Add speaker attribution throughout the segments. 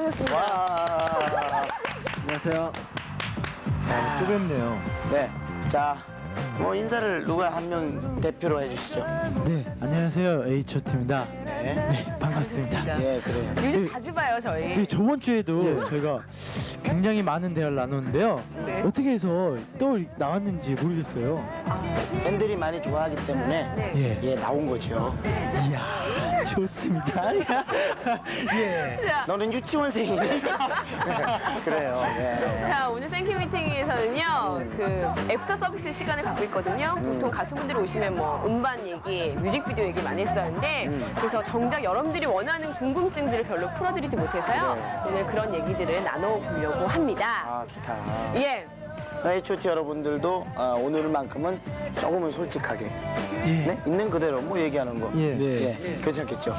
Speaker 1: 수고하셨습니다.
Speaker 2: 와.
Speaker 3: 안녕하세요. 또 뵙네요.
Speaker 2: 네. 자, 뭐 인사를 누가 한 명 대표로 해주시죠.
Speaker 3: 네, 안녕하세요. H.O.T입니다.
Speaker 2: 네.
Speaker 3: 네, 반갑습니다.
Speaker 2: 예, 그래요.
Speaker 1: 요즘 자주 봐요, 저희.
Speaker 3: 네, 저번 주에도 저희가 굉장히 많은 대화를 나눴는데요.
Speaker 1: 네.
Speaker 3: 어떻게 해서 또 나왔는지 모르겠어요.
Speaker 2: 팬들이 많이 좋아하기 때문에
Speaker 1: 네.
Speaker 3: 예.
Speaker 2: 예, 나온 거죠.
Speaker 3: 이야, 좋습니다. 예.
Speaker 1: 자,
Speaker 2: 너는 유치원생이네. 그래요. 예.
Speaker 1: 자, 오늘 생큐 미팅에서는요, 그 애프터 서비스 시간을 갖고 있거든요. 보통 가수분들이 오시면 뭐 음반 얘기, 뮤직비디오 얘기 많이 했었는데, 그래서 정작 여러분들이 원하는 궁금증들을 별로 풀어드리지 못해서요.
Speaker 2: 그래요.
Speaker 1: 오늘 그런 얘기들을 나눠보려고 합니다.
Speaker 2: 아, 좋다.
Speaker 1: 예.
Speaker 2: H.O.T 여러분들도 오늘만큼은 조금은 솔직하게
Speaker 3: 예.
Speaker 2: 네? 있는 그대로 뭐 얘기하는 거.
Speaker 3: 예.
Speaker 2: 예, 괜찮겠죠?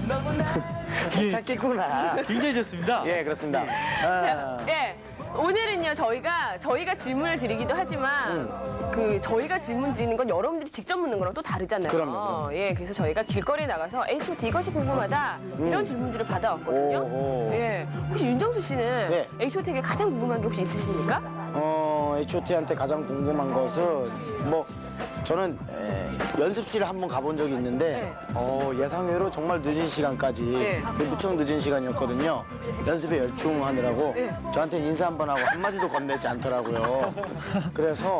Speaker 2: 괜찮겠구나.
Speaker 3: 굉장히 좋습니다.
Speaker 2: 예, 그렇습니다. 아,
Speaker 1: 예. 오늘은요, 저희가 질문을 드리기도 하지만, 그, 저희가 질문 드리는 건 여러분들이 직접 묻는 거랑 또 다르잖아요.
Speaker 2: 그럼요.
Speaker 1: 예, 그래서 저희가 길거리에 나가서 H.O.T 이것이 궁금하다, 이런 질문들을 받아왔거든요.
Speaker 2: 오.
Speaker 1: 예. 혹시 윤정수 씨는
Speaker 2: 네.
Speaker 1: H.O.T에게 가장 궁금한 게 혹시 있으십니까?
Speaker 2: H.O.T한테 가장 궁금한 것은 뭐 저는 연습실에 한번 가본 적이 있는데 예상외로 정말 늦은 시간까지
Speaker 1: 네.
Speaker 2: 무척 늦은 시간이었거든요. 연습에 열중하느라고
Speaker 1: 네.
Speaker 2: 저한테 인사 한번 하고 한마디도 건네지 않더라고요. 그래서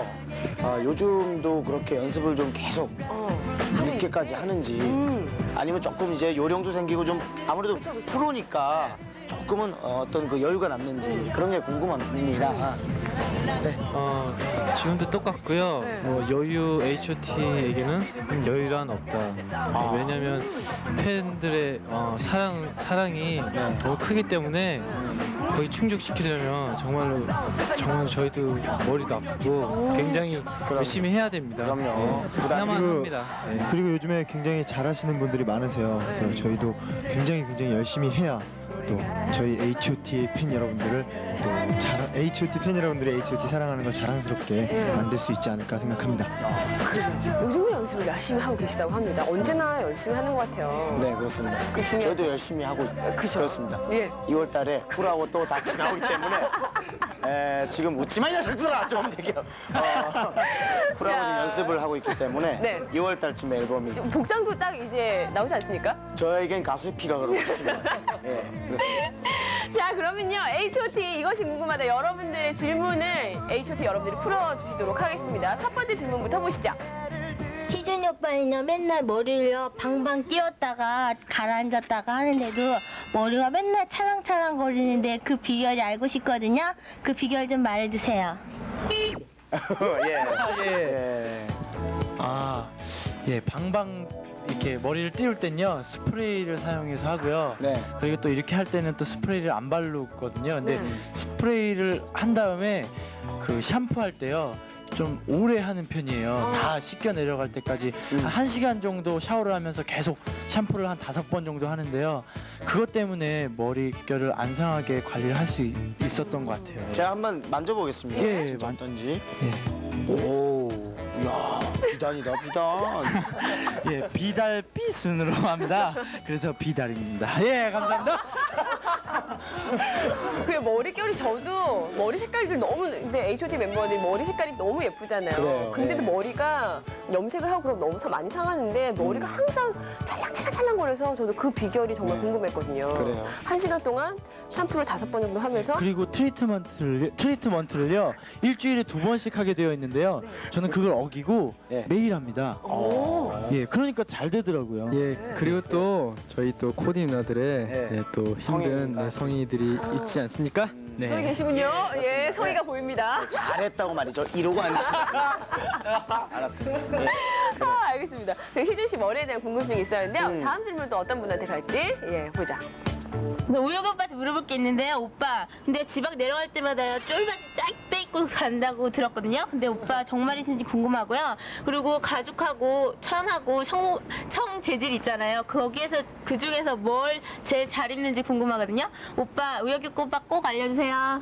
Speaker 2: 요즘도 그렇게 연습을 좀 계속 늦게까지 하는지 아니면 조금 이제 요령도 생기고 좀 아무래도 프로니까 조금은 어떤 그 여유가 남는지 그런 게 궁금합니다. 네.
Speaker 4: 지금도 똑같고요.
Speaker 1: 네.
Speaker 4: 뭐 여유 H.O.T에게는 여유란 없다. 왜냐면 팬들의 사랑이 너무 크기 때문에 거기 충족시키려면 정말 저희도 머리도 아프고 굉장히 열심히 해야 됩니다.
Speaker 2: 그럼요.
Speaker 4: 네, 해야만
Speaker 3: 그리고-
Speaker 4: 합니다. 네.
Speaker 3: 그리고 요즘에 굉장히 잘하시는 분들이 많으세요. 그래서 저희도 굉장히 열심히 해야 또 저희 H.O.T 팬 여러분들을 또 H.O.T 팬 여러분들이 H.O.T 사랑하는 걸 자랑스럽게 만들 수 있지 않을까 생각합니다.
Speaker 1: 요즘도 연습을 열심히 하고 계시다고 합니다. 언제나 열심히 하는 것 같아요.
Speaker 2: 네, 그렇습니다.
Speaker 1: 그 중에-
Speaker 2: 저희도 열심히 하고
Speaker 1: 그죠.
Speaker 2: 그렇습니다.
Speaker 1: 예.
Speaker 2: 2월 달에 쿨하고 또 다 지나오기 때문에 지금 웃지 마, 이 녀석들아! 좀 되게 쿨하고 지금 연습을 하고 있기 때문에
Speaker 1: 네.
Speaker 2: 2월 달쯤에 앨범이
Speaker 1: 복장도 딱 이제 나오지 않습니까?
Speaker 2: 저에겐 가수의 피가 흐르고 있습니다. 예, 그렇습니다.
Speaker 1: 자, 그러면요. H.O.T 이것이 궁금하다. 여러분들의 질문을 H.O.T 여러분들이 풀어주시도록 하겠습니다. 첫 번째 질문부터 보시죠.
Speaker 5: 희준이 오빠는요 맨날 머리를요 방방 띄웠다가 가라앉았다가 하는데도 머리가 맨날 찰랑찰랑 거리는데 그 비결이 알고 싶거든요. 그 비결 좀 말해주세요.
Speaker 2: 예.
Speaker 4: 예, 방방 이렇게 머리를 띄울 땐요 스프레이를 사용해서 하고요.
Speaker 2: 네.
Speaker 4: 그리고 또 이렇게 할 때는 또 스프레이를 안 바르거든요. 근데 스프레이를 한 다음에 그 샴푸할 때요. 좀 오래 하는 편이에요. 다 씻겨 내려갈 때까지 한 1시간 정도 샤워를 하면서 계속 샴푸를 한 5번 정도 하는데요. 그것 때문에 머릿결을 안 상하게 관리를 할 수 있었던 것 같아요.
Speaker 2: 제가 한번 만져보겠습니다.
Speaker 4: 예,
Speaker 2: 진짜 어떤지.
Speaker 4: 예.
Speaker 2: 오, 이야, 비단이다, 비단.
Speaker 3: 예, 비달 B 순으로 합니다. 그래서 비달입니다. 예, 감사합니다.
Speaker 1: 그 머릿결이 저도 머리 색깔들 너무 근데 H.O.T 멤버들 머리 색깔이 너무 예쁘잖아요.
Speaker 2: 그래요,
Speaker 1: 근데도
Speaker 2: 예.
Speaker 1: 머리가 염색을 하고 그럼 너무 많이 상하는데 머리가 항상 찰랑찰랑거려서 저도 그 비결이 정말 궁금했거든요.
Speaker 2: 그래요.
Speaker 1: 1시간 동안 샴푸를 5번 정도 하면서
Speaker 3: 그리고 트리트먼트를요 일주일에 2번씩 하게 되어 있는데요. 저는 그걸 어기고
Speaker 2: 예.
Speaker 3: 매일 합니다.
Speaker 1: 오.
Speaker 3: 예, 그러니까 잘 되더라고요.
Speaker 6: 예, 그리고 또 저희 또 코디 누나들의
Speaker 2: 네.
Speaker 6: 또 힘든
Speaker 2: 성인이니까.
Speaker 6: 성인이들이 있지 않습니까?
Speaker 1: 저기
Speaker 6: 네.
Speaker 1: 계시군요. 예, 성의가 보입니다.
Speaker 2: 잘했다고 말이죠. 이러고 앉았습니다. 알았습니다. 예.
Speaker 1: 아, 알겠습니다. 그 희준 씨 머리에 대한 궁금증이 있었는데요. 다음 질문 또 어떤 분한테 갈지 예, 보자.
Speaker 5: 우혁 오빠한테 물어볼 게 있는데요. 오빠 근데 지방 내려갈 때마다 쫄바지 쫙 빼입고 간다고 들었거든요. 근데 오빠 정말이신지 궁금하고요. 그리고 가죽하고 천하고 청 재질 있잖아요. 거기에서 그 중에서 뭘 제일 잘 입는지 궁금하거든요. 오빠 우혁이 오빠 꼭 알려주세요.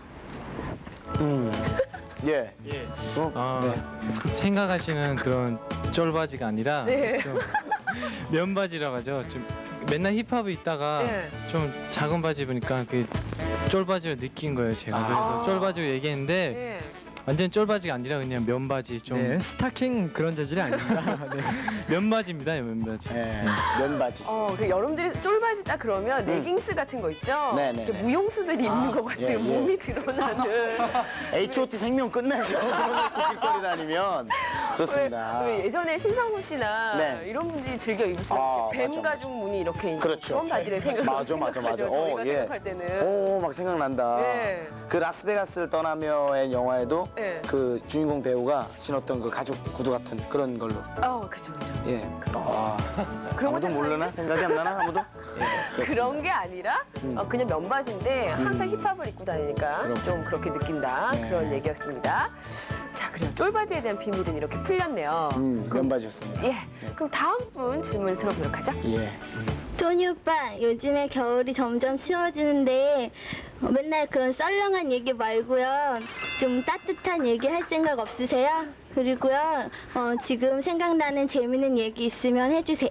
Speaker 2: 예.
Speaker 4: 예.
Speaker 2: 네.
Speaker 4: 생각하시는 그런 쫄바지가 아니라
Speaker 1: 네.
Speaker 4: 좀 면바지라고 하죠. 좀 맨날 힙합을 있다가
Speaker 1: 예.
Speaker 4: 좀 작은 바지 입으니까 그 쫄바지를 느낀 거예요 제가. 그래서 쫄바지로 얘기했는데
Speaker 1: 예.
Speaker 4: 완전 쫄바지가 아니라 그냥 면바지 좀
Speaker 6: 네, 스타킹 그런 재질이 아닙니다. 네.
Speaker 4: 면바지입니다 면바지.
Speaker 2: 예, 면바지.
Speaker 1: 그 여러분들이 쫄바지 딱 그러면 레깅스 같은 거 있죠?
Speaker 2: 네네네.
Speaker 1: 이렇게 무용수들이 입는 것 같아요.
Speaker 2: 예, 예.
Speaker 1: 몸이 드러나는.
Speaker 2: H.O.T 생명 끝나죠. 그런 길거리 다니면 그렇습니다.
Speaker 1: 왜 예전에 신상훈 씨나
Speaker 2: 네.
Speaker 1: 이런 분들이 즐겨 입으시는
Speaker 2: 아,
Speaker 1: 뱀
Speaker 2: 맞아,
Speaker 1: 가죽 무늬 이렇게 있는
Speaker 2: 그렇죠.
Speaker 1: 그런 바지를 생각.
Speaker 2: 맞아.
Speaker 1: 저희가
Speaker 2: 예.
Speaker 1: 생각할 때는.
Speaker 2: 오, 막 생각난다.
Speaker 1: 네.
Speaker 2: 그 라스베가스를 떠나며의 영화에도
Speaker 1: 네.
Speaker 2: 그 주인공 배우가 신었던 그 가죽 구두 같은 그런 걸로.
Speaker 1: 그죠.
Speaker 2: 예.
Speaker 1: 그런 거
Speaker 2: 아무도 모르나? 생각이 안 나나? 아무도? 예.
Speaker 1: 그런 게 아니라 그냥 면바지인데 항상 힙합을 입고 다니니까
Speaker 2: 그렇군요.
Speaker 1: 좀 그렇게 느낀다
Speaker 2: 네.
Speaker 1: 그런 얘기였습니다. 자, 그래요. 쫄바지에 대한 비밀은 이렇게 풀렸네요.
Speaker 2: 면바지였습니다.
Speaker 1: 예. 그럼 다음 분 질문을 들어보도록 하죠.
Speaker 2: 예.
Speaker 7: 토니 오빠, 요즘에 겨울이 점점 추워지는데 맨날 그런 썰렁한 얘기 말고요. 좀 따뜻한 얘기 할 생각 없으세요? 그리고요, 지금 생각나는 재밌는 얘기 있으면 해주세요.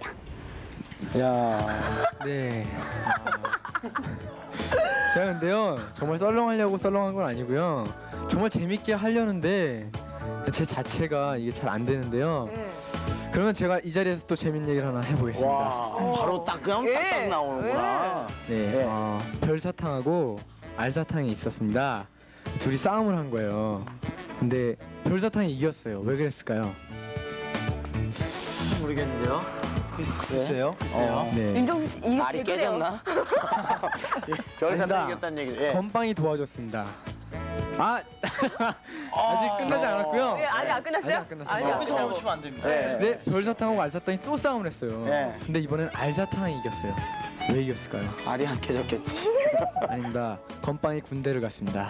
Speaker 2: 야.
Speaker 6: 네. 제가 근데요 정말 썰렁하려고 썰렁한 건 아니고요. 정말 재밌게 하려는데 제 자체가 이게 잘 안 되는데요.
Speaker 1: 예.
Speaker 6: 그러면 제가 이 자리에서 또 재밌는 얘기를 하나 해보겠습니다.
Speaker 2: 와. 바로 딱 그냥
Speaker 1: 예.
Speaker 2: 딱딱 나오는구나.
Speaker 6: 네,
Speaker 2: 네.
Speaker 6: 별사탕하고 알사탕이 있었습니다. 둘이 싸움을 한 거예요. 근데 별사탕이 이겼어요. 왜 그랬을까요?
Speaker 4: 모르겠는데요.
Speaker 2: 글쎄요.
Speaker 6: 네.
Speaker 1: 윤정수 씨, 이게
Speaker 2: 알이
Speaker 1: 개그래요.
Speaker 2: 깨졌나? 예, 별사탕
Speaker 6: 아니다.
Speaker 2: 이겼다는 얘기. 예.
Speaker 6: 건빵이 도와줬습니다. 아직 끝나지 않았고요.
Speaker 1: 예, 아직 안 끝났어요?
Speaker 6: 아직 안 끝났어요.
Speaker 1: 아직 안
Speaker 4: 여기서
Speaker 1: 끝나고.
Speaker 4: 멈추면 안 됩니다.
Speaker 2: 네.
Speaker 6: 네, 별사탕하고 알사탕이 또 싸움을 했어요.
Speaker 2: 네.
Speaker 6: 근데 이번엔 알사탕이 이겼어요. 왜 이겼을까요?
Speaker 2: 알이 안 깨졌겠지.
Speaker 6: 아닙니다. 건빵이 군대를 갔습니다.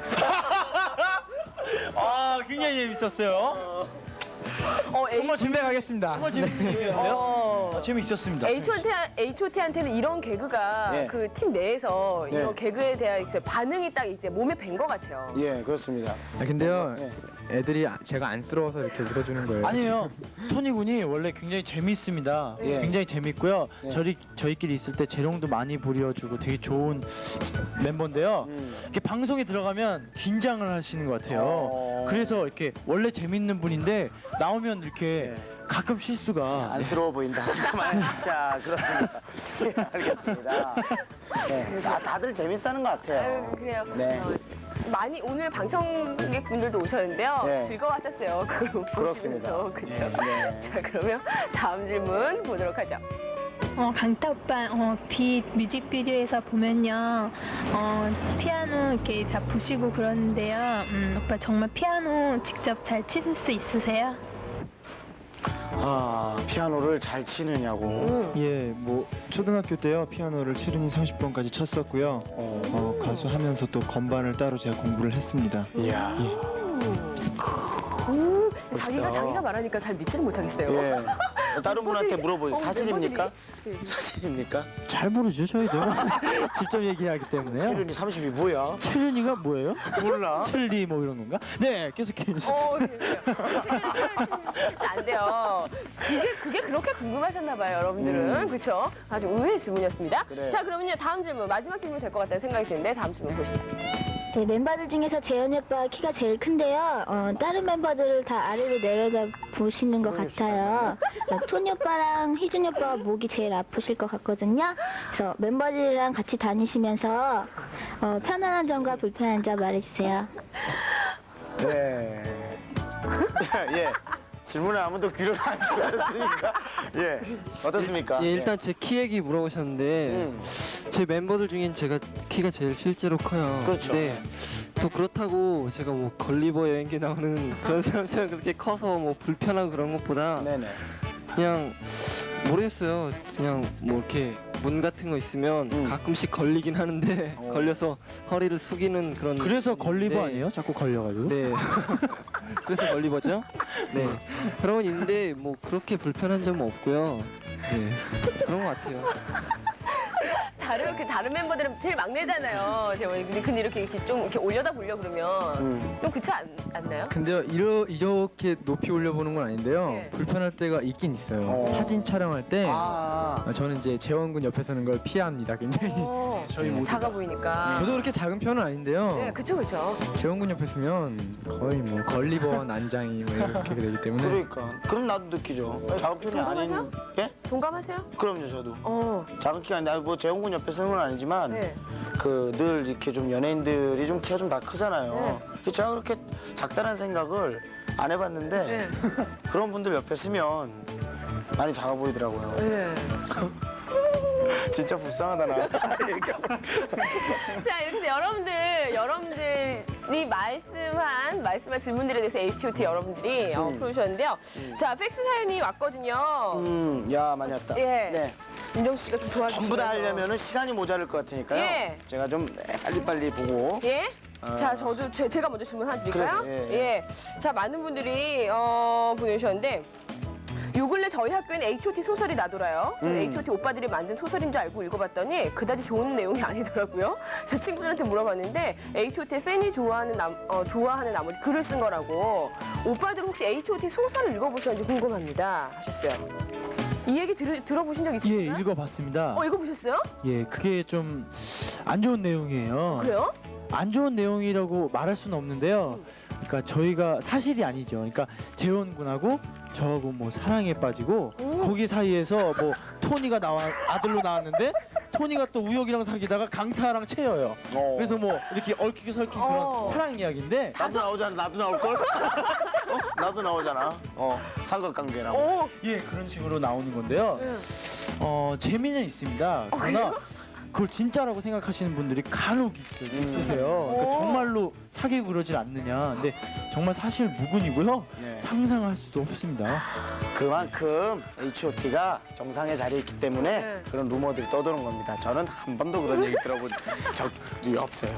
Speaker 4: 굉장히 재밌었어요.
Speaker 1: 정말
Speaker 6: 군대 가겠습니다.
Speaker 4: 정말 재밌는 얘기였는데요. 재밌었습니다.
Speaker 1: H.O.T한테는 이런 개그가
Speaker 2: 예.
Speaker 1: 그 팀 내에서
Speaker 2: 네.
Speaker 1: 이런 개그에 대한 이제 반응이 딱 이제 몸에 밴 것 같아요.
Speaker 2: 예, 그렇습니다.
Speaker 6: 근데요,
Speaker 2: 예.
Speaker 6: 애들이 제가 안쓰러워서 이렇게 웃어주는 거예요.
Speaker 4: 아니에요. 토니 군이 원래 굉장히 재밌습니다.
Speaker 2: 예.
Speaker 4: 굉장히 재밌고요.
Speaker 2: 예.
Speaker 4: 저희끼리 있을 때 재롱도 많이 부려주고 되게 좋은 멤버인데요. 이렇게 방송에 들어가면 긴장을 하시는 것 같아요. 그래서 이렇게 원래 재밌는 분인데 나오면 이렇게 가끔 실수가
Speaker 2: 안쓰러워 보인다. 잠깐만. 자, 그렇습니다. 예, 알겠습니다. 네, 다들 재밌어하는 것 같아요.
Speaker 1: 아유, 그래요.
Speaker 2: 네.
Speaker 1: 많이 오늘 방청객 분들도 오셨는데요.
Speaker 2: 네.
Speaker 1: 즐거워하셨어요. 그걸
Speaker 2: 그렇습니다.
Speaker 1: 보시면서. 그렇죠.
Speaker 2: 네, 네.
Speaker 1: 자, 그러면 다음 질문 보도록 하죠.
Speaker 5: 강타 오빠, 뮤직비디오에서 보면요, 피아노 이렇게 다 부시고 그러는데요. 오빠 정말 피아노 직접 잘 치실 수 있으세요?
Speaker 2: 피아노를 잘 치느냐고.
Speaker 3: 예, 뭐 초등학교 때요 피아노를 체르니 30번까지 쳤었고요. 가수하면서 또 건반을 따로 제가 공부를 했습니다.
Speaker 2: 이야.
Speaker 1: 자기가 말하니까 잘 믿지를 못하겠어요.
Speaker 2: 예. 다른 분한테 물어보세요.
Speaker 1: 멤버들이-
Speaker 2: 사실입니까?
Speaker 1: 네.
Speaker 2: 사실입니까?
Speaker 4: 잘 모르죠 저희도. 직접 얘기하기 때문에요.
Speaker 2: 체륜이 30이 뭐야?
Speaker 4: 체륜이가 뭐예요?
Speaker 2: 몰라.
Speaker 4: 첼리 뭐 이런 건가? 네, 계속해 주세요.
Speaker 1: 안 돼요. 그게 그렇게 궁금하셨나 봐요, 여러분들은. 그렇죠? 아주 의외의 질문이었습니다.
Speaker 2: 그래.
Speaker 1: 자, 그러면요. 다음 질문, 마지막 질문 될 것 같다는 생각이 드는데 다음 질문 보시죠.
Speaker 7: 네, 멤버들 중에서 재현이 오빠가 키가 제일 큰데요. 다른 멤버들을 다 아래로 내려다 보시는 것 같아요. 토니 오빠랑 희준이 오빠가 목이 제일 아프실 것 같거든요. 그래서 멤버들이랑 같이 다니시면서 편안한 점과 불편한 점 말해주세요.
Speaker 2: 네. 예. 질문을 아무도 귀를 안 기울였으니까. 예. 어떻습니까?
Speaker 8: 예, 일단 제 키 얘기 물어보셨는데 제 멤버들 중엔 제가 키가 제일 실제로 커요.
Speaker 2: 그렇죠.
Speaker 8: 네. 또 그렇다고 제가 뭐 걸리버 여행기 나오는 그런 사람처럼 그렇게 커서 뭐 불편하고 그런 것보다
Speaker 2: 네네.
Speaker 8: 그냥 모르겠어요. 그냥 뭐 이렇게 문 같은 거 있으면 가끔씩 걸리긴 하는데 걸려서 허리를 숙이는 그런.
Speaker 4: 그래서 걸리버
Speaker 8: 네.
Speaker 4: 아니에요? 자꾸 걸려가지고.
Speaker 8: 네. 그래서 걸리버죠? 네. 그런 건 있는데 뭐 그렇게 불편한 점은 없고요. 네. 그런 것 같아요.
Speaker 1: 다른 멤버들은 제일 막내잖아요. 근데 이렇게 좀 이렇게 올려다 보려 그러면 좀 그렇지 않나요?
Speaker 6: 근데요 이렇게 높이 올려보는 건 아닌데요.
Speaker 1: 네.
Speaker 6: 불편할 때가 있긴 있어요.
Speaker 2: 어.
Speaker 6: 사진 촬영할 때
Speaker 2: 아.
Speaker 6: 저는 이제 재원 군 옆에 서는 걸 피합니다. 굉장히.
Speaker 4: 저희 모두
Speaker 1: 작아 보이니까.
Speaker 6: 저도 그렇게 작은 편은 아닌데요.
Speaker 1: 네, 그쵸.
Speaker 6: 재원 군 옆에 서면 거의 뭐 걸리버 난장이 뭐 이렇게 되기 때문에.
Speaker 2: 그러니까. 그럼 나도 느끼죠. 작은 편이 아닌.
Speaker 1: 동감하세요?
Speaker 2: 예?
Speaker 1: 동감하세요?
Speaker 2: 그럼요, 저도.
Speaker 1: 어.
Speaker 2: 작은 키가 아닌데, 뭐 재홍군 옆에 서는 건 아니지만,
Speaker 1: 네.
Speaker 2: 그 늘 이렇게 좀 연예인들이 좀 키가 좀 다 크잖아요. 근데 제가 그렇게 작다는 생각을 안 해봤는데,
Speaker 1: 네.
Speaker 2: 그런 분들 옆에 서면 많이 작아 보이더라고요.
Speaker 1: 네.
Speaker 2: 진짜 불쌍하다, 나.
Speaker 1: 자, 이렇게 해서 여러분들이 말씀한 질문들에 대해서 H.O.T 여러분들이 풀어주셨는데요. 자, 팩스 사연이 왔거든요.
Speaker 2: 야, 많이 왔다.
Speaker 1: 예.
Speaker 2: 네.
Speaker 1: 윤정수 씨가 좀 도와주시면.
Speaker 2: 전부 다 하려면 시간이 모자랄 것 같으니까요.
Speaker 1: 예.
Speaker 2: 제가 좀 빨리빨리 보고.
Speaker 1: 예?
Speaker 2: 아.
Speaker 1: 자, 제가 먼저 질문 하나 드릴까요?
Speaker 2: 그래서, 예.
Speaker 1: 예. 자, 많은 분들이 보내주셨는데, 요 근래 저희 학교에는 H.O.T 소설이 나돌아요. 저는 H.O.T 오빠들이 만든 소설인 줄 알고 읽어봤더니 그다지 좋은 내용이 아니더라고요. 제 친구들한테 물어봤는데 H.O.T 팬이 좋아하는 나머지 글을 쓴 거라고. 오빠들 혹시 H.O.T 소설을 읽어보셨는지 궁금합니다. 하셨어요. 이 얘기 들어보신 적
Speaker 4: 예,
Speaker 1: 있으신가요?
Speaker 4: 읽어봤습니다.
Speaker 1: 읽어보셨어요?
Speaker 4: 예, 그게 좀 안 좋은 내용이에요.
Speaker 1: 그래요?
Speaker 4: 안 좋은 내용이라고 말할 수는 없는데요. 그러니까 저희가 사실이 아니죠. 그러니까 재원 군하고 저하고 뭐 사랑에 빠지고 거기 사이에서 뭐 토니가 아들로 나왔는데 토니가 또 우혁이랑 사귀다가 강타랑 채여요. 그래서 뭐 이렇게 얽히고 설킨 그런 사랑 이야기인데
Speaker 2: 나도 나오잖아. 나도 나올걸? 나도 나오잖아. 삼각관계라고.
Speaker 1: 오.
Speaker 4: 예, 그런 식으로 나오는 건데요. 재미는 있습니다. 그러나 그걸 진짜라고 생각하시는 분들이 간혹 있으세요. 그러니까 정말로 사귀고 그러질 않느냐. 근데 정말 사실 무근이고요.
Speaker 2: 네.
Speaker 4: 상상할 수도 없습니다.
Speaker 2: 그만큼 H.O.T가 정상의 자리에 있기 때문에
Speaker 1: 네.
Speaker 2: 그런 루머들이 떠도는 겁니다. 저는 한 번도 그런 얘기 들어본 적이 없어요.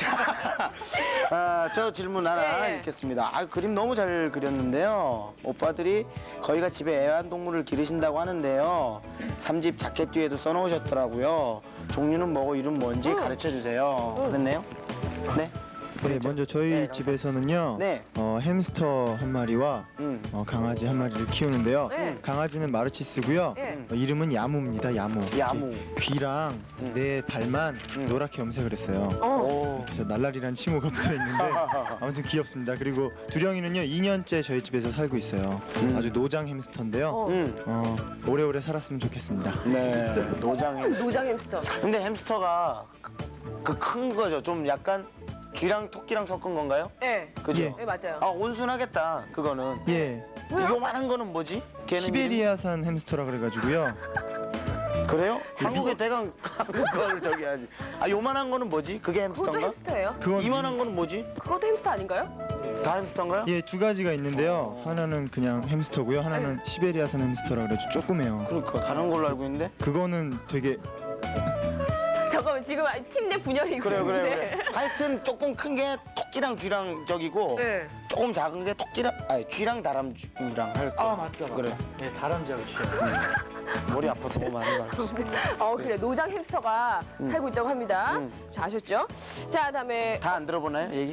Speaker 2: 저 질문 하나
Speaker 1: 네.
Speaker 2: 읽겠습니다. 그림 너무 잘 그렸는데요. 오빠들이 거기가 집에 애완동물을 기르신다고 하는데요. 3집 자켓 뒤에도 써놓으셨더라고요. 종류는 뭐고 이름 뭔지 가르쳐 주세요. 그랬네요? 네?
Speaker 3: 네, 먼저 저희
Speaker 2: 네,
Speaker 3: 집에서는요.
Speaker 2: 네.
Speaker 3: 햄스터 한 마리와 강아지 한 마리를 키우는데요.
Speaker 1: 네.
Speaker 3: 강아지는 마르치스고요.
Speaker 1: 네.
Speaker 3: 이름은 야무입니다. 야무.
Speaker 2: 야무.
Speaker 3: 귀랑 내 발만 노랗게 염색을 했어요.
Speaker 2: 오.
Speaker 3: 그래서 날라리란 칭호가 붙어 있는데 아무튼 귀엽습니다. 그리고 두령이는요 2년째 저희 집에서 살고 있어요. 아주 노장 햄스터인데요. 오래오래 살았으면 좋겠습니다.
Speaker 2: 네. 노장
Speaker 1: 노장 햄스터.
Speaker 2: 근데 햄스터가 그 큰 거죠. 좀 약간 쥐랑 토끼랑 섞은 건가요?
Speaker 1: 네.
Speaker 2: 그죠?
Speaker 3: 예.
Speaker 1: 네, 맞아요.
Speaker 2: 온순하겠다. 그거는.
Speaker 3: 예,
Speaker 2: 요만한 거는 뭐지? 걔는
Speaker 3: 시베리아산 햄스터라 그래가지고요.
Speaker 2: 이름이? 그래요? 한국의 대강 그걸 저기 하지. 요만한 거는 뭐지? 그게
Speaker 1: 그것도
Speaker 2: 햄스터인가?
Speaker 1: 햄스터예요?
Speaker 3: 그건
Speaker 2: 이만한 거는 뭐지?
Speaker 1: 그것도 햄스터 아닌가요?
Speaker 2: 다 햄스터인가요?
Speaker 3: 예, 두 가지가 있는데요. 하나는 그냥 햄스터고요. 하나는 시베리아산 햄스터라 그래서 조그매요.
Speaker 2: 그러니까 다른 걸로 알고 있는데.
Speaker 3: 그거는 되게
Speaker 1: 잠깐만 지금 팀 내 분열이
Speaker 2: 그래. 하여튼 조금 큰 게 토끼랑 쥐랑 저기고
Speaker 1: 네.
Speaker 2: 조금 작은 게 토끼랑 쥐랑 다람쥐랑 할 거.
Speaker 4: 맞다.
Speaker 2: 그래.
Speaker 4: 네, 다람쥐하고 취해요.
Speaker 2: 머리 아파 너무 많이 가.
Speaker 1: 그래 노장 햄스터가 살고 있다고 합니다. 자, 아셨죠? 자, 그다음에
Speaker 2: 다 안 들어보나요 얘기?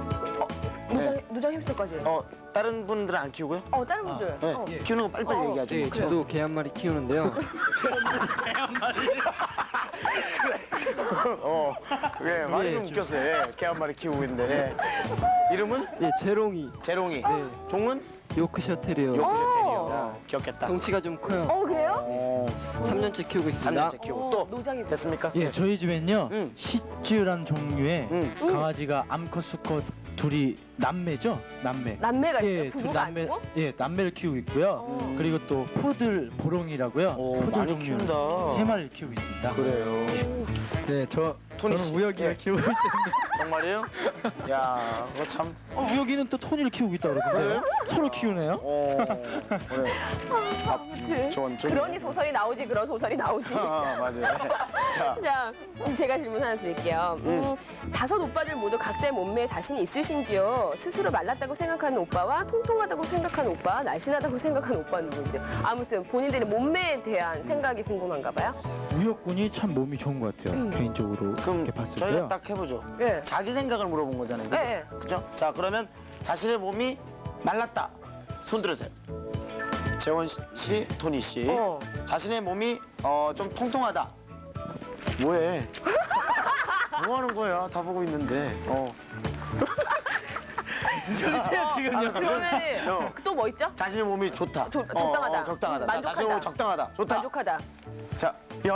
Speaker 1: 노장 햄스터까지.
Speaker 2: 다른 분들은 안 키우고요?
Speaker 1: 다른 분들.
Speaker 2: 네. 키우는 거 빨리빨리 얘기하죠.
Speaker 8: 네, 저도 개 한 마리 키우는데요.
Speaker 2: 왜 많이 좀 웃겼어요. 개 한 마리 키우고 있는데. 이름은?
Speaker 8: 예, 재롱이.
Speaker 2: 재롱이. 종은?
Speaker 8: 요크셔 테리어.
Speaker 2: 요크셔 테리어. 귀엽겠다.
Speaker 8: 덩치가 좀 커요.
Speaker 1: 그래요?
Speaker 8: 3년째 키우고 있습니다.
Speaker 2: 3년째 키우고 또
Speaker 1: 노장이
Speaker 2: 됐습니까?
Speaker 4: 예, 저희 집엔요
Speaker 2: 응.
Speaker 4: 시츄란 종류의
Speaker 2: 응.
Speaker 4: 강아지가 암컷 수컷 둘이 남매죠?
Speaker 1: 남매가 있어요.
Speaker 4: 예, 둘
Speaker 1: 부부가
Speaker 4: 남매,
Speaker 1: 아니고?
Speaker 4: 예, 남매를 키우고 있고요. 그리고 또 푸들 보롱이라고요. 푸들
Speaker 2: 많이
Speaker 4: 종류
Speaker 2: 키운다.
Speaker 4: 3마리를 키우고 있습니다.
Speaker 2: 그래요.
Speaker 6: 네,
Speaker 2: 토니
Speaker 6: 저는
Speaker 2: 씨.
Speaker 6: 우혁이를
Speaker 2: 예.
Speaker 6: 키우고 있습니다.
Speaker 2: 정말이에요? 야, 그거 참.
Speaker 4: 여기는 또 토니를 키우고 있다 그러던데요? 서로 키우네요.
Speaker 2: 그래.
Speaker 1: 아무튼
Speaker 2: 좋은
Speaker 1: 그러니 소설이 나오지. 그런 소설이 나오지.
Speaker 2: 맞아요. 자,
Speaker 1: 자, 제가 질문 하나 드릴게요. 5 오빠들 모두 각자의 몸매에 자신이 있으신지요? 스스로 말랐다고 생각하는 오빠와 통통하다고 생각하는 오빠, 날씬하다고 생각하는 오빠는 누구인지. 아무튼 본인들의 몸매에 대한 생각이 궁금한가 봐요.
Speaker 4: 우혁군이 참 몸이 좋은 것 같아요. 개인적으로
Speaker 2: 그럼
Speaker 4: 이렇게 봤을
Speaker 2: 저희가
Speaker 4: 때요.
Speaker 2: 딱 해보죠.
Speaker 1: 예.
Speaker 2: 자기 생각을 물어본 거잖아요. 그죠?
Speaker 1: 예.
Speaker 2: 그죠? 자, 그러면 자신의 몸이 말랐다. 손 들으세요. 재원 씨, 토니 씨.
Speaker 1: 어.
Speaker 2: 자신의 몸이 좀 통통하다. 뭐해? 뭐 하는 거야? 다 보고 있는데.
Speaker 1: 지금요. 그러면은
Speaker 2: 어.
Speaker 1: 또 뭐 있죠?
Speaker 2: 자신의 몸이 좋다.
Speaker 1: 적당하다.
Speaker 2: 적당하다. 자,
Speaker 1: 만족하다.
Speaker 2: 자신의 몸이 적당하다. 좋다.
Speaker 1: 만족하다.
Speaker 2: 자, 야.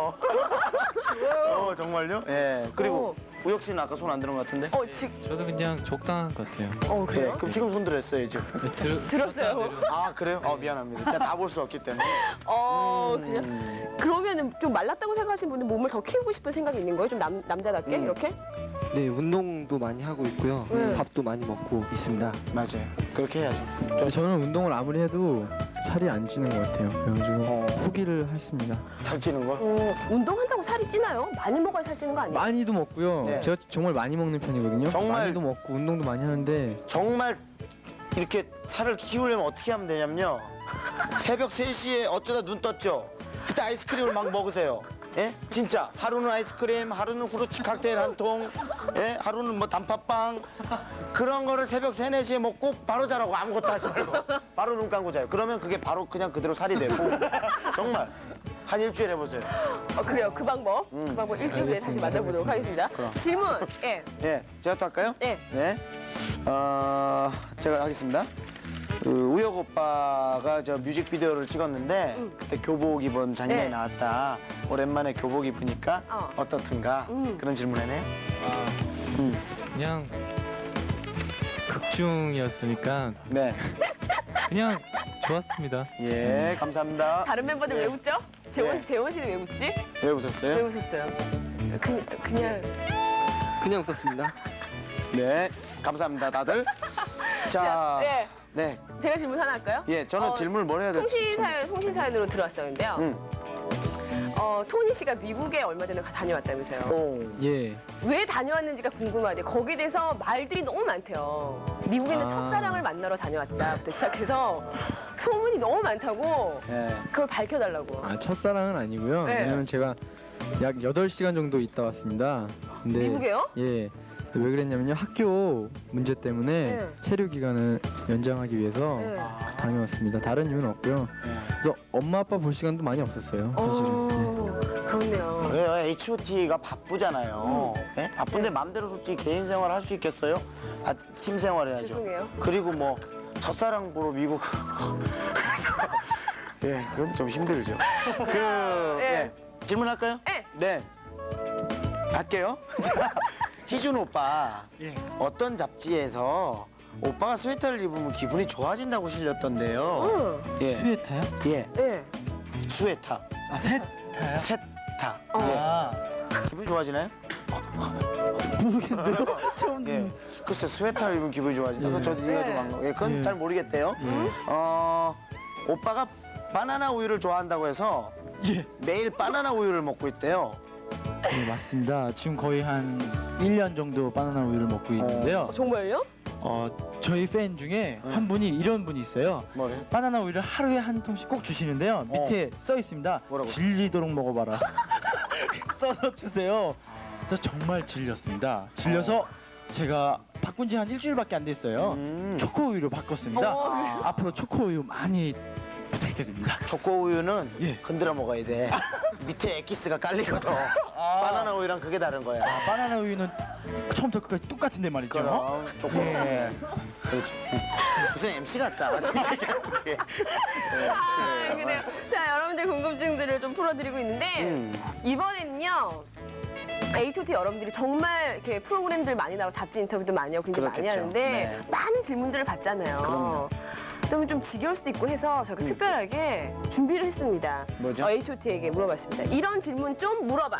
Speaker 2: 정말요? 예. 그리고 우혁 씨는 아까 손 안 드는 것 같은데?
Speaker 6: 저도 그냥 적당한 것 같아요.
Speaker 2: 네,
Speaker 1: 그래요?
Speaker 2: 그럼 지금 손 들었어요, 지금.
Speaker 1: 들었어요.
Speaker 2: 아, 그래요? 미안합니다. 제가 다 볼 수 없기 때문에.
Speaker 1: 그냥 그러면은 좀 말랐다고 생각하시는 분은 몸을 더 키우고 싶은 생각이 있는 거예요? 좀 남자답게 이렇게?
Speaker 8: 네, 운동도 많이 하고 있고요. 밥도 많이 먹고 있습니다.
Speaker 2: 맞아요. 그렇게 해야죠.
Speaker 6: 근데 저는 운동을 아무리 해도 살이 안 찌는 것 같아요. 그래가지고 포기를 했습니다.
Speaker 2: 살찌는 거?
Speaker 1: 운동한다고 살이 찌나요? 많이 먹어야 살찌는 거 아니에요?
Speaker 6: 많이도 먹고요.
Speaker 2: 네.
Speaker 6: 제가 정말 많이 먹는 편이거든요.
Speaker 2: 정말?
Speaker 6: 많이도 먹고 운동도 많이 하는데
Speaker 2: 정말 이렇게 살을 키우려면 어떻게 하면 되냐면요. 새벽 3시에 어쩌다 눈 떴죠? 그때 아이스크림을 막 먹으세요. 예? 진짜 하루는 아이스크림, 하루는 후르츠 칵테일 한 통, 예? 하루는 뭐 단팥빵 그런 거를 새벽 3, 4시에 먹고 바로 자라고 아무것도 하지 말고 바로 눈 감고 자요. 그러면 그게 바로 그냥 그대로 살이 되고 정말 한 일주일 해보세요.
Speaker 1: 그래요. 그 방법. 그 방법 일주일 후에 다시 만나보도록 하겠습니다.
Speaker 2: 그럼.
Speaker 1: 질문. 예.
Speaker 2: 예, 제가 또 할까요?
Speaker 1: 예.
Speaker 2: 네. 제가 하겠습니다. 우혁 오빠가 저 뮤직비디오를 찍었는데 그때 교복 입은 장면이
Speaker 1: 네.
Speaker 2: 나왔다. 오랜만에 교복 입으니까 어떻든가 그런 질문이네.
Speaker 6: 그냥 극중이었으니까
Speaker 2: 네.
Speaker 6: 그냥 좋았습니다.
Speaker 2: 예, 감사합니다.
Speaker 1: 다른 멤버들 왜
Speaker 2: 네.
Speaker 1: 웃죠?
Speaker 2: 네.
Speaker 1: 재원 씨는 왜 웃지?
Speaker 2: 왜
Speaker 1: 왜
Speaker 2: 웃었어요?
Speaker 1: 웃었어요? 그냥
Speaker 8: 그냥 웃었습니다.
Speaker 2: 네, 감사합니다, 다들. 자,
Speaker 1: 네.
Speaker 2: 네,
Speaker 1: 제가 질문 하나 할까요?
Speaker 2: 예, 저는 질문을 뭘 해야 될지.
Speaker 1: 통신 사연으로 들어왔었는데요. 토니 씨가 미국에 얼마 전에 다녀왔다면서요.
Speaker 2: 오,
Speaker 6: 예.
Speaker 1: 왜 다녀왔는지가 궁금하대요. 거기에 대해서 말들이 너무 많대요. 미국에는 첫사랑을 만나러 다녀왔다부터 시작해서 소문이 너무 많다고
Speaker 2: 예.
Speaker 1: 그걸 밝혀달라고.
Speaker 6: 아, 첫사랑은 아니고요.
Speaker 1: 네.
Speaker 6: 왜냐면 제가 약 8시간 정도 있다 왔습니다. 근데
Speaker 1: 미국에요?
Speaker 6: 예. 왜 그랬냐면요. 학교 문제 때문에
Speaker 1: 네.
Speaker 6: 체류 기간을 연장하기 위해서
Speaker 1: 네.
Speaker 6: 다녀왔습니다. 다른 이유는 없고요. 그래서 엄마 아빠 볼 시간도 많이 없었어요. 사실은.
Speaker 1: 그렇네요.
Speaker 2: 그래요. H.O.T.가 바쁘잖아요. 예? 바쁜데 마음대로 솔직히 개인 생활 할 수 있겠어요? 팀 생활 해야죠.
Speaker 1: 죄송해요.
Speaker 2: 그리고 뭐 첫사랑 보러 미국 예, 그건 좀 힘들죠. 예. 질문할까요? 네. 할게요. 희준 오빠 어떤 잡지에서 오빠가 스웨터를 입으면 기분이 좋아진다고 실렸던데요. 예.
Speaker 4: 스웨터요?
Speaker 2: 예.
Speaker 1: 네.
Speaker 2: 스웨터.
Speaker 4: 아, 세타요?
Speaker 2: 세타.
Speaker 4: 아,
Speaker 2: 예. 기분이 좋아지나요?
Speaker 4: 모르겠네요.
Speaker 2: 예. 글쎄 스웨터를 입으면 기분이 좋아진다. 저도 이해가 좀 안 가. 예, 그건
Speaker 6: 예.
Speaker 2: 잘 모르겠대요. 오빠가 바나나 우유를 좋아한다고 해서
Speaker 4: 예.
Speaker 2: 매일 바나나 우유를 먹고 있대요.
Speaker 4: 네, 맞습니다. 지금 거의 한 1년 정도 바나나 우유를 먹고 있는데요.
Speaker 1: 정말요?
Speaker 4: 저희 팬 중에 한 분이 이런 분이 있어요.
Speaker 2: 뭐래요?
Speaker 4: 바나나 우유를 하루에 한 통씩 꼭 주시는데요. 밑에 써 있습니다.
Speaker 2: 뭐라고?
Speaker 4: 질리도록 먹어봐라. 써서 주세요. 그래서 정말 질렸습니다. 질려서 제가 바꾼 지 한 일주일밖에 안 됐어요. 초코 우유로 바꿨습니다. 앞으로 초코 우유 많이 부탁드립니다.
Speaker 2: 초코 우유는
Speaker 4: 예.
Speaker 2: 흔들어 먹어야 돼. 밑에 엑기스가 깔리거든. 바나나 우유랑 그게 다른 거야.
Speaker 4: 바나나 우유는 처음부터 끝까지 똑같은데 말이죠.
Speaker 2: 그럼 초코.
Speaker 4: 예.
Speaker 2: 그렇죠. 무슨 MC 같다. 예.
Speaker 1: 그래요. 자, 여러분들 궁금증들을 좀 풀어드리고 있는데 이번에는요. H.O.T 여러분들이 정말 이렇게 프로그램들 많이 나오고 잡지 인터뷰도 많이 하고 굉장히 많이
Speaker 2: 그렇겠죠.
Speaker 1: 하는데
Speaker 2: 네.
Speaker 1: 많은 질문들을 받잖아요.
Speaker 2: 그럼요.
Speaker 1: 그러면 좀 지겨울 수도 있고 해서 저희가 특별하게 준비를 했습니다.
Speaker 2: 뭐죠?
Speaker 1: H.O.T에게 물어봤습니다. 이런 질문 좀 물어봐.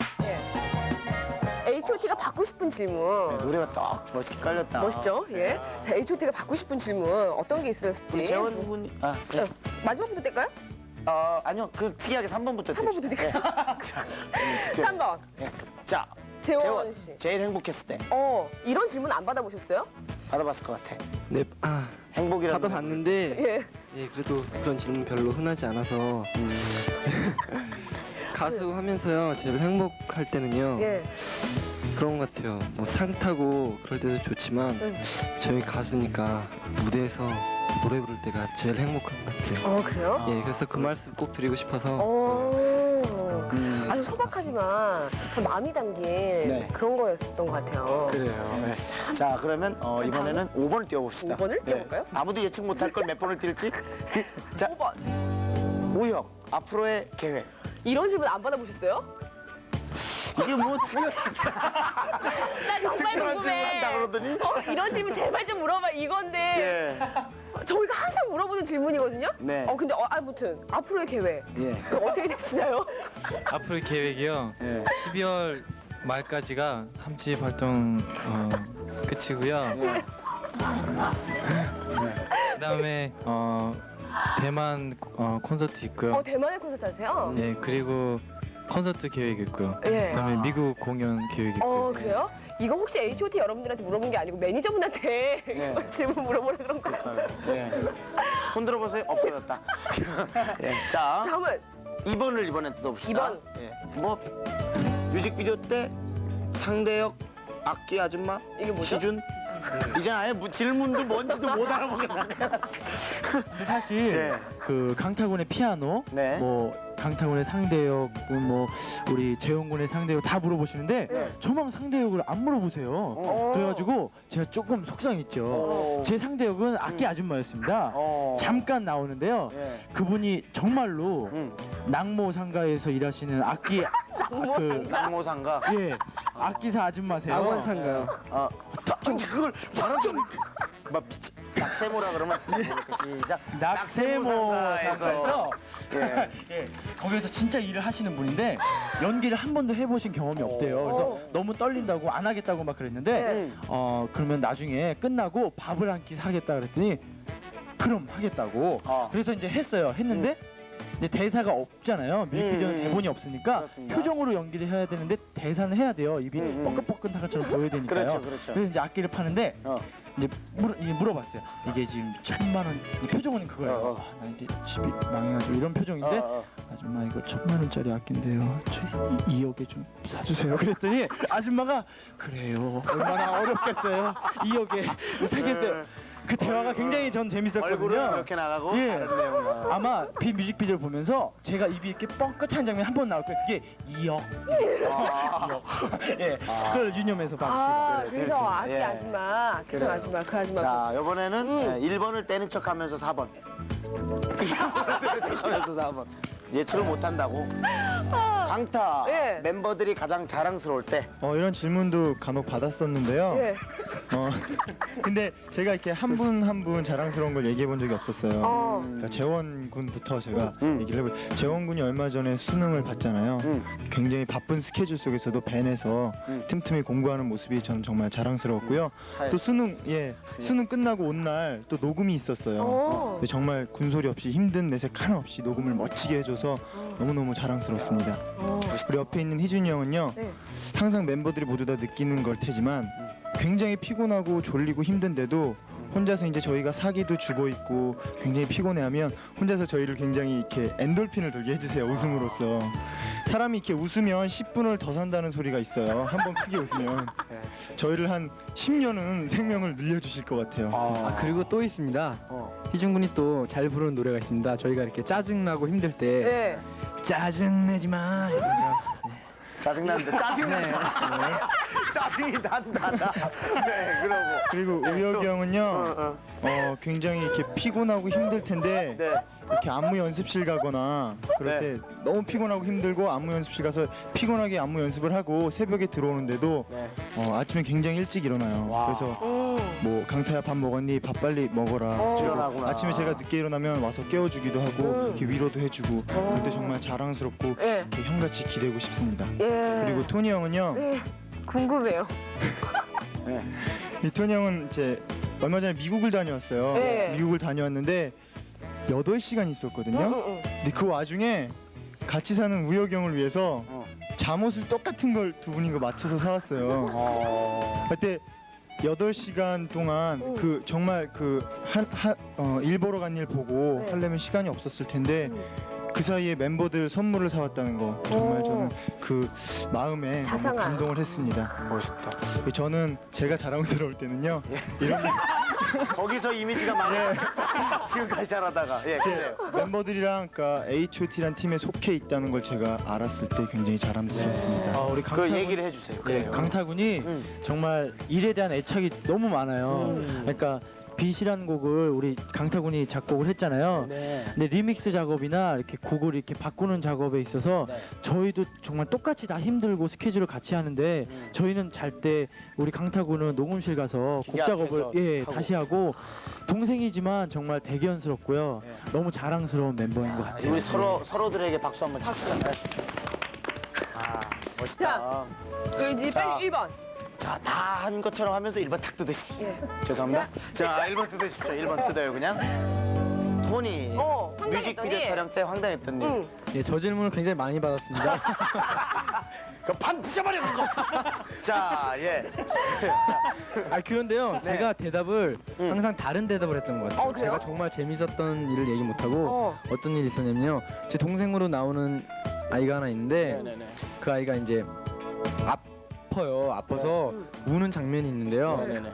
Speaker 1: H.O.T가 받고 싶은 질문.
Speaker 2: 노래가 딱 멋있게 깔렸다.
Speaker 1: 멋있죠? 예. 자, H.O.T가 받고 싶은 질문 어떤 게 있었을지.
Speaker 2: 우리 재원 군이 네.
Speaker 1: 마지막부터 뗄까요?
Speaker 2: 아니요. 그 특이하게 3번부터
Speaker 1: 3번부터 뗄까요?
Speaker 2: 자,
Speaker 1: 3번.
Speaker 2: 자,
Speaker 1: 재원 씨.
Speaker 2: 제일 행복했을 때
Speaker 1: 이런 질문 안 받아보셨어요?
Speaker 2: 받아봤을 것 같아.
Speaker 8: 네,
Speaker 2: 행복이라는
Speaker 8: 받아봤는데
Speaker 1: 예.
Speaker 8: 예, 그래도 그런 질문 별로 흔하지 않아서 가수 하면서요 제일 행복할 때는요
Speaker 1: 예.
Speaker 8: 그런 것 같아요. 뭐 상 타고 그럴 때도 좋지만 저희 가수니까 무대에서 노래 부를 때가 제일 행복한 것 같아요.
Speaker 1: 그래요?
Speaker 8: 예, 그래서 그 말씀 꼭 드리고 싶어서
Speaker 1: 아주 소박하지만 참 마음이 담긴 그런 거였던 것 같아요.
Speaker 2: 그래요. 네. 자, 그러면 이번에는 5번을 띄워봅시다.
Speaker 1: 5번을 띄워볼까요?
Speaker 2: 아무도 예측 못할 걸 몇 번을 띄울지. 자,
Speaker 1: 5번.
Speaker 2: 우혁, 앞으로의 계획.
Speaker 1: 이런 질문 안 받아보셨어요?
Speaker 2: 이게 뭐
Speaker 1: 나 정말
Speaker 2: 특별한 질문 한다
Speaker 1: 궁금해.
Speaker 2: 그러더니.
Speaker 1: 이런 질문 제발 좀 물어봐 이건데
Speaker 2: 예.
Speaker 1: 저희가 항상 물어보는 질문이거든요.
Speaker 2: 네.
Speaker 1: 근데 아무튼 앞으로의 계획
Speaker 2: 예.
Speaker 1: 어떻게 되시나요?
Speaker 4: 앞으로의 계획이요.
Speaker 2: 예.
Speaker 4: 12월 말까지가 3집 활동 끝이고요. 그다음에 대만 콘서트 있고요.
Speaker 1: 대만에 콘서트 하세요?
Speaker 4: 예, 그리고 콘서트 계획 있고요.
Speaker 1: 예.
Speaker 4: 그다음에 미국 공연 계획 있고요.
Speaker 1: 그래요? 이거 혹시 H.O.T 여러분들한테 물어본 게 아니고 매니저분한테
Speaker 2: 예.
Speaker 1: 질문 물어보라 그런 거예요?
Speaker 2: 예. 손 들어보세요. 없어졌다. 예. 자,
Speaker 1: 다음은
Speaker 2: 2번을 이번엔 뜯어봅시다.
Speaker 1: 2번.
Speaker 2: 예. 뭐 뮤직비디오 때 상대역 악기 아줌마
Speaker 1: 이게 뭐죠?
Speaker 2: 희준 이제 아예 질문도 뭔지도 못 알아보겠네.
Speaker 4: 근데 사실
Speaker 2: 예.
Speaker 4: 그 강타군의 피아노,
Speaker 2: 네.
Speaker 4: 뭐 강타군의 상대역, 뭐 우리 재홍군의 상대역 다 물어보시는데
Speaker 2: 네.
Speaker 4: 저만 상대역을 안 물어보세요. 그래가지고 제가 조금 속상했죠. 제 상대역은 악기 아줌마였습니다. 잠깐 나오는데요.
Speaker 2: 예.
Speaker 4: 그분이 정말로 낙모 상가에서 일하시는 악기
Speaker 2: 낙모상가.
Speaker 4: 예 악기사 아줌마세요.
Speaker 8: 낙원상가요.
Speaker 2: 그걸 바로 좀 낙세모라 그러면 시작.
Speaker 4: 낙세모 상가에서
Speaker 2: 예.
Speaker 4: 예, 거기서 진짜 일을 하시는 분인데 연기를 한 번도 해보신 경험이 없대요. 그래서 너무 떨린다고 안 하겠다고 막 그랬는데 그러면 나중에 끝나고 밥을 한 끼 사겠다 그랬더니 그럼 하겠다고. 그래서 이제 했어요. 했는데 이제 대사가 없잖아요. 뮤직비디오는 대본이 없으니까
Speaker 2: 그렇습니다.
Speaker 4: 표정으로 연기를 해야 되는데 대사는 해야 돼요. 입이 뻐끔뻐끔한 것처럼 보여야 되니까요.
Speaker 2: 그렇죠, 그렇죠.
Speaker 4: 그래서 이제 악기를 파는데 이제 물어봤어요. 이게 지금 1,000만 원, 이 표정은 그거예요. 나 이제 집이 망해가지고 이런 표정인데 아줌마 이거 1,000만 원짜리 악기인데요. 저 2억에 좀 사주세요. 그랬더니 아줌마가 그래요. 얼마나 어렵겠어요. 2억에 사겠어요. 그 대화가 굉장히 전 재밌었거든요.
Speaker 2: 얼굴은 이렇게 나가고
Speaker 4: 예.
Speaker 2: 다른 내용은
Speaker 4: 아마 비 뮤직비디오를 보면서 제가 입이 이렇게 뻥끗한 장면 한 번 나올 거예요. 그게 2억. 2억. 예. 그걸 유념해서 봤습니다.
Speaker 1: 그래서
Speaker 2: 재밌습니다.
Speaker 1: 악기
Speaker 2: 예.
Speaker 1: 아줌마, 악기사
Speaker 2: 그래요.
Speaker 1: 아줌마, 그 아줌마.
Speaker 2: 자, 이번에는 1번을 떼는 척하면서 4번. 2번을 떼는 척하면서 4번. 예측을 못한다고. 강타
Speaker 1: 예.
Speaker 2: 멤버들이 가장 자랑스러울 때.
Speaker 3: 이런 질문도 간혹 받았었는데요.
Speaker 1: 예.
Speaker 3: 근데 제가 이렇게 한 분 한 분 자랑스러운 걸 얘기해 본 적이 없었어요. 그러니까 재원 군부터 제가 얘기를 해볼. 재원 군이 얼마 전에 수능을 봤잖아요. 굉장히 바쁜 스케줄 속에서도 밴에서 틈틈이 공부하는 모습이 저는 정말 자랑스러웠고요. 또 수능 끝나고 온 날 또 녹음이 있었어요. 근데 정말 군소리 없이 힘든 내색 하나 없이 녹음을 멋지게 해줘서 너무너무 자랑스럽습니다. 우리 옆에 있는 희준이 형은요.
Speaker 1: 네.
Speaker 3: 항상 멤버들이 모두 다 느끼는 걸 테지만 굉장히 피곤하고 졸리고 힘든데도 혼자서 이제 저희가 사기도 주고 있고 굉장히 피곤해하면 혼자서 저희를 굉장히 이렇게 엔돌핀을 돌게 해주세요. 웃음으로써 사람이 이렇게 웃으면 10분을 더 산다는 소리가 있어요. 한번 크게 웃으면 저희를 한 10년은 생명을 늘려주실 것 같아요.
Speaker 6: 그리고 또 있습니다. 희준 군이 또 잘 부르는 노래가 있습니다. 저희가 이렇게 짜증나고 힘들 때
Speaker 1: 예.
Speaker 6: 짜증내지 마. 이러죠.
Speaker 2: 짜증난다. 짜증난다. 짜증이 난다. 네, 그러고.
Speaker 3: 그리고 우혁이 형은요 굉장히 이렇게 피곤하고 힘들 텐데
Speaker 2: 네.
Speaker 3: 이렇게 안무 연습실 가거나 그럴 때 너무 피곤하고 힘들고 안무 연습실 가서 피곤하게 안무 연습을 하고 새벽에 들어오는데도 아침에 굉장히 일찍 일어나요. 그래서 뭐 강타야 밥 먹었니? 밥 빨리 먹어라.
Speaker 2: 일어나구나.
Speaker 3: 아침에 제가 늦게 일어나면 와서 깨워주기도 하고 이렇게 위로도 해주고 그럴 때 정말 자랑스럽고
Speaker 1: 예.
Speaker 3: 이렇게 형같이 기대고 싶습니다.
Speaker 1: 예.
Speaker 3: 그리고 토니 형은요.
Speaker 1: 네. 궁금해요.
Speaker 3: 이 토니 형은 이제 얼마 전에 미국을 다녀왔어요.
Speaker 1: 네.
Speaker 3: 미국을 다녀왔는데 8시간 있었거든요. 근데 그 와중에 같이 사는 우혁이 형을 위해서 잠옷을 똑같은 걸 두 분이 거 맞춰서 사왔어요. 그때 8시간 동안 그 정말 일 보러 간 일 보고 하려면 시간이 없었을 텐데 그 사이에 멤버들 선물을 사왔다는 거 정말
Speaker 1: 오.
Speaker 3: 저는 그 마음에 너무
Speaker 1: 자상한.
Speaker 3: 감동을 했습니다.
Speaker 2: 멋있다.
Speaker 3: 저는 제가 자랑스러울 때는요. 이런
Speaker 2: 거기서 이미지가 많이 지금까지 잘하다가 예, 그래요.
Speaker 3: 멤버들이랑 그러니까 H.O.T라는 팀에 속해 있다는 걸 제가 알았을 때 굉장히 자랑스러웠습니다.
Speaker 4: 아, 우리
Speaker 2: 그 얘기를 해주세요.
Speaker 4: 네,
Speaker 2: 그래요.
Speaker 4: 강타군이
Speaker 2: 음.
Speaker 4: 정말 일에 대한 애착이 너무 많아요. 그러니까 빛이라는 곡을 우리 강타군이 작곡을 했잖아요.
Speaker 2: 네.
Speaker 4: 근데 리믹스 작업이나 이렇게 곡을 이렇게 바꾸는 작업에 있어서
Speaker 2: 네.
Speaker 4: 저희도 정말 똑같이 다 힘들고 스케줄을 같이 하는데 저희는 잘 때 우리 강타군은 녹음실 가서 곡
Speaker 2: 기계
Speaker 4: 작업을
Speaker 2: 앞에서 하고.
Speaker 4: 다시 하고 동생이지만 정말 대견스럽고요.
Speaker 2: 네.
Speaker 4: 너무 자랑스러운 멤버인 것 같아요.
Speaker 2: 우리 서로들에게 박수 한번 칩시다. 아, 멋있다.
Speaker 1: 자. 이제
Speaker 2: 자.
Speaker 1: 빨리 1번.
Speaker 2: 자, 다 한 것처럼 하면서 1번 탁 뜯으십시오.
Speaker 1: 예.
Speaker 2: 죄송합니다. 자, 1번 뜯으십시오. 1번 뜯어요, 그냥. 토니,
Speaker 1: 황당했더니.
Speaker 2: 뮤직비디오 촬영 때 황당했던 일.
Speaker 1: 응.
Speaker 6: 예, 저 질문을 굉장히 많이 받았습니다.
Speaker 2: 그판 부셔버려, 그거! 자, 예.
Speaker 6: 아 그런데요,
Speaker 2: 네.
Speaker 6: 제가 대답을
Speaker 2: 음.
Speaker 6: 항상 다른 대답을 했던 것 같아요.
Speaker 1: 그래요?
Speaker 6: 제가 정말 재밌었던 일을 얘기 못하고 어떤 일이 있었냐면요. 제 동생으로 나오는 아이가 하나 있는데
Speaker 2: 네네네.
Speaker 6: 그 아이가 이제 아파요. 아파서 우는 장면이 있는데요.
Speaker 2: 네네네.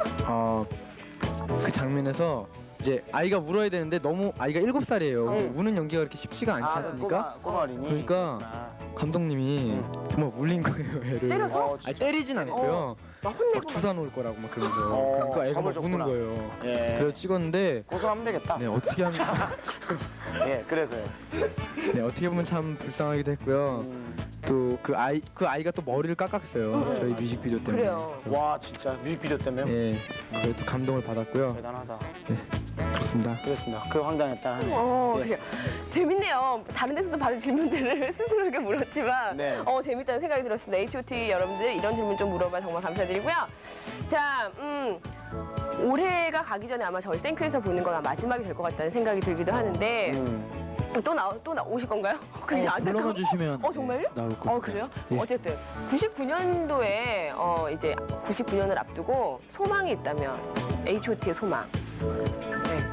Speaker 6: 그 장면에서 이제 아이가 울어야 되는데 너무 아이가 7살이에요. 우는 연기가 그렇게 쉽지가 않지 않습니까?
Speaker 2: 꼬마 어린이.
Speaker 6: 그러니까 감독님이 정말 울린 거예요, 애를.
Speaker 1: 때려서?
Speaker 6: 아니 때리진 않고요.
Speaker 1: 막 혼내고.
Speaker 6: 막 주사 놓을 거라고 막 그러면서
Speaker 2: 어,
Speaker 6: 그러니까 애가 막
Speaker 2: 겁을
Speaker 6: 우는
Speaker 2: 줬구나.
Speaker 6: 거예요.
Speaker 2: 예.
Speaker 6: 그래서 찍었는데
Speaker 2: 고소하면 되겠다.
Speaker 6: 네 어떻게 하면
Speaker 2: 예, 그래서요.
Speaker 6: 네 어떻게 보면 참 불쌍하기도 했고요. 또 그 아이가 또 머리를 깎았어요. 저희 뮤직비디오 때문에.
Speaker 1: 그래요.
Speaker 2: 와, 진짜 뮤직비디오 때문에
Speaker 6: 예, 그래도 감동을 받았고요.
Speaker 2: 대단하다.
Speaker 6: 그렇습니다.
Speaker 2: 그렇습니다. 그 황당했다. 예.
Speaker 1: 그래요. 재밌네요. 다른 데서도 받은 질문들을 스스로에게 물었지만
Speaker 2: 네.
Speaker 1: 재밌다는 생각이 들었습니다. H.O.T 여러분들 이런 질문 좀 물어봐 정말 감사드리고요. 자, 올해가 가기 전에 아마 저희 생큐에서 보는 건 마지막이 될 것 같다는 생각이 들기도 하는데 또 오실 건가요? 그게 안타까워.
Speaker 4: 불러봐 주시면
Speaker 1: 정말요?
Speaker 4: 나올 거예요.
Speaker 1: 그래요?
Speaker 4: 예.
Speaker 1: 어쨌든 99년도에 이제 99년을 앞두고 소망이 있다면 H.O.T의 소망. 네.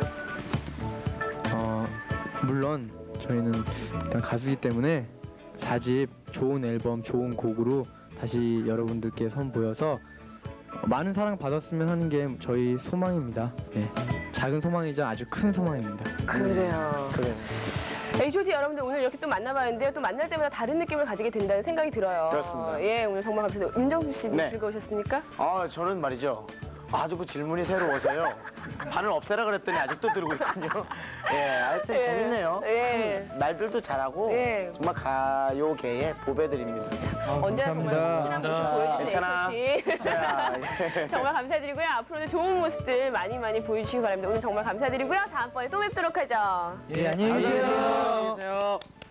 Speaker 6: 물론 저희는 일단 가수이기 때문에 4집 좋은 앨범, 좋은 곡으로 다시 여러분들께 선보여서 많은 사랑 받았으면 하는 게 저희 소망입니다. 네. 작은 소망이자 아주 큰 소망입니다.
Speaker 1: 그래요.
Speaker 2: 그래.
Speaker 1: H.O.T 여러분들 오늘 이렇게 또 만나봤는데요. 또 만날 때마다 다른 느낌을 가지게 된다는 생각이 들어요.
Speaker 2: 그렇습니다.
Speaker 1: 예, 오늘 정말 감사드려요. 임정수 씨도
Speaker 2: 네.
Speaker 1: 즐거우셨습니까?
Speaker 2: 아, 저는 말이죠. 아주 그 질문이 새로워서요. 반을 없애라 그랬더니 아직도 들고 있군요. 예, 하여튼
Speaker 1: 예.
Speaker 2: 재밌네요.
Speaker 1: 예.
Speaker 2: 참 말들도 잘하고
Speaker 1: 예.
Speaker 2: 정말 가요계의 보배들입니다.
Speaker 1: 언제나 정말
Speaker 6: 감사합니다.
Speaker 1: 확실한 모습 보여주신
Speaker 2: 괜찮아.
Speaker 1: H.O.T.
Speaker 2: 자, 예.
Speaker 1: 정말 감사드리고요. 앞으로도 좋은 모습들 많이 보여주시기 바랍니다. 오늘 정말 감사드리고요. 다음번에 또 뵙도록 하죠.
Speaker 6: 예, 안녕히 계세요.
Speaker 2: 안녕히 계세요.